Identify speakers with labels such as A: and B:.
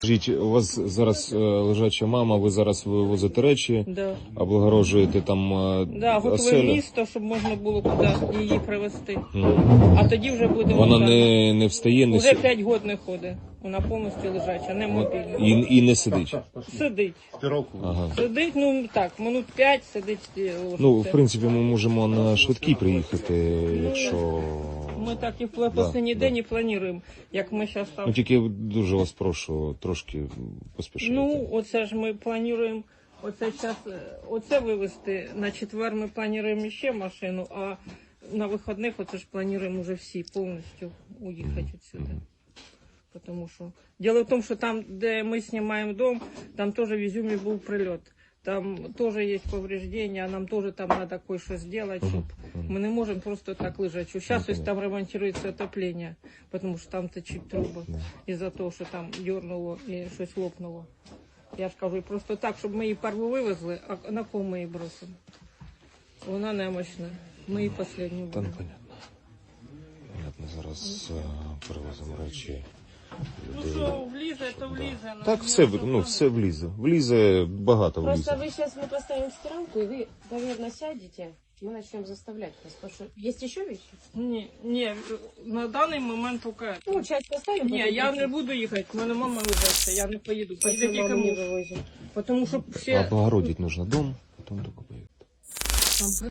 A: Скажіть, у вас зараз лежача мама, ви зараз вивозите речі,
B: Да.
A: облагорожуєте там
B: Да, готове
A: оселю?
B: місто, щоб можна було куди її привезти.
A: Мгм.
B: А тоді вже будемо.
A: Вона
B: так.
A: не встає, не
B: Уже
A: сидить
B: 5 років не ходить. Вона повністю лежача, не мобільна.
A: і не сидить.
B: Сидить.
A: Ага.
B: Сидить, ну так, минут 5 сидить і ложиться.
A: Ну, в принципі, ми можемо на швидкій приїхати, якщо...
B: Ми так і в останній день і плануємо, як ми зараз там.
A: Ну, тільки дуже вас прошу, трошки поспішайте.
B: Ну, оце ж ми плануємо, оце зараз, оце вивезти, на четвер ми плануємо ще машину, а на вихідних оце ж плануємо вже всі повністю уїхати відсюди. Потому що... Дело в тому, що там, де ми знімаємо дом, там теж в Ізюмі був прильот. Там теж є повреждення, нам теж там треба кое-що зробити, щоб ми не можемо просто так лежати. Зараз ось там ремонтується отоплення, тому що там течуть труби із-за того, що там дернуло і щось лопнуло. Я ж кажу, просто так, щоб ми її перву вивезли, а на кого ми її бросимо? Вона немощна. Ми її останню
A: Та, ну,
B: будемо.
A: понятно. Понятно, зараз перевозимо речі.
B: Ну
A: людей.
B: що, влізе, то влізе.
A: Так, все, ну, все влізе. Влізе, багато
C: Просто
A: влізе.
C: вы сейчас мы поставим стиралку, и вы, наверное, сядете. Мы начнем заставлять вас. Потому что есть еще вещи?
B: Ні, на даний момент тільки.
C: Ну, часть поставим.
B: Ні,
C: потом
B: я не
C: прикрепим.
B: буду їхати, в мене мама везеться, я не поїду. Поїде
C: Почему
B: тільки
C: маму не
B: муж.
C: вывозим?
B: Тому що ще...
A: Облагородить нужно дом, потом только поедет.
B: Там